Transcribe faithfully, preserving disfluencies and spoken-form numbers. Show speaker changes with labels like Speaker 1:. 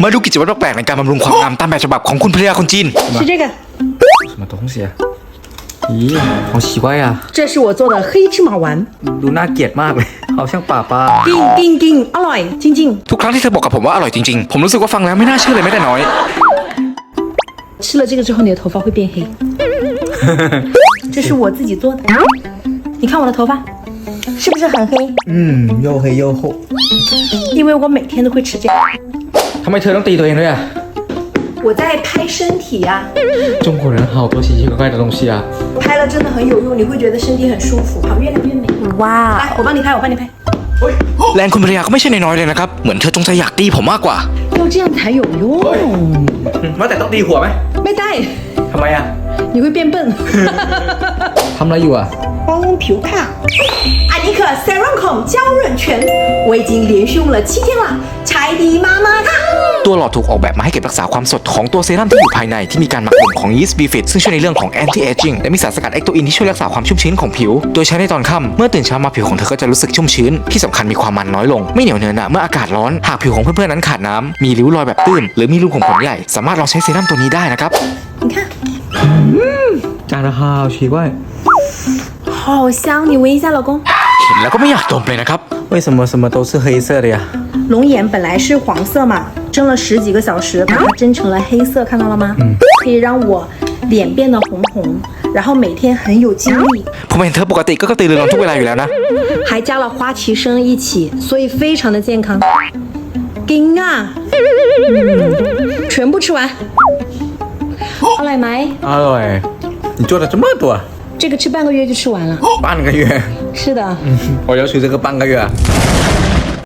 Speaker 1: มาดูกิจวัตรแปลกๆในการบำรุงความงามตามแบบฉบับของคุณภรรยาคนจีน
Speaker 2: 是这个
Speaker 3: 什么东西啊咦好奇怪呀
Speaker 2: 这是我做的黑芝麻丸
Speaker 3: ดูน่าเกลียดมากเลยเอาช่างป่าปลา
Speaker 2: 叮叮叮อร่อยจริง
Speaker 1: ทุกครั้งที่เธอบอกกับผมว่าอร่อยจริงๆผมรู้สึกว่าฟังแล้วไม่น่าเชื่อเลยแม้แต่น้อย
Speaker 2: ๆ吃了这个之后你的头发会变黑这是我自己做的你看我的头发是不是很黑
Speaker 3: อืม又黑又厚
Speaker 2: 因为我每天都会吃这个
Speaker 3: ทำไมเธอต้องตีตัวเองด้วยอ่ะ
Speaker 2: 我在拍身体呀、
Speaker 3: 中国人好多奇奇怪怪的东西啊
Speaker 2: 拍了真的很有用你会觉得身体很舒服好越来越美哇来我帮你拍我帮你拍
Speaker 1: แรงคุณภรรยาก็ไม่ใช่น้อยๆเลยนะครับเหมือนเธอจงใจอยากตีผมมากกว่า
Speaker 2: 要这样才有用
Speaker 3: ว่าแต่ต้องตีหัวไหม
Speaker 2: ไม่ได้
Speaker 3: ทำไมอ่ะ
Speaker 2: 你会变笨
Speaker 3: ทำอะไรอยู่อ่ะ
Speaker 2: 帮皮肤看艾尼克 Serum 孔娇润泉我已经连续用了七天了柴迪妈妈看
Speaker 1: ตัวหลอดถูกออกแบบมาให้เก็บรักษาความสดของตัวเซรั่มที่อยู่ภายในที่มีการหมักบ่มของยีสต์บีฟิตซึ่งช่วยในเรื่องของ anti aging และมีสารสกัดเอ็กโตอินที่ช่วยรักษาความชุ่มชื้นของผิวโดยใช้ในตอนค่ำเมื่อตื่นเช้ามาผิวของเธอก็จะรู้สึกชุ่มชื้นที่สำคัญมีความมันน้อยลงไม่เหนียวเนอะหนะเมื่ออากาศร้อนหากผิวของเพื่อนๆนั้นขาดน้ำมีริ้วรอยแบบตื้นหรือมีรูขุมขนใหญ่สามารถลองใช้เซรั่มตัวนี้ได้นะครับ
Speaker 2: 你看
Speaker 3: 长得好奇怪
Speaker 2: 好香你闻一下老公
Speaker 1: เห็นแล้วก็ไม่อยากดมเลยนะครับ
Speaker 3: 为什么什么都是黑色的呀
Speaker 2: 龙眼本来是黄色嘛蒸了十几个小时把它蒸成了黑色看到了吗、嗯、可以让我脸变得红红然后每天很有精力
Speaker 1: ผมเห็นเธอปกติก็กระตือรือร้นทุกเวลาอยู่แล้วนะ
Speaker 2: 还加了花旗参一起所以非常的健康金啊、嗯、全部吃完อร่อยไหม
Speaker 3: อร่อย你做了这么多
Speaker 2: 这个吃半个月就吃完了
Speaker 3: 半个月
Speaker 2: 是的
Speaker 3: 我要吃这个半个月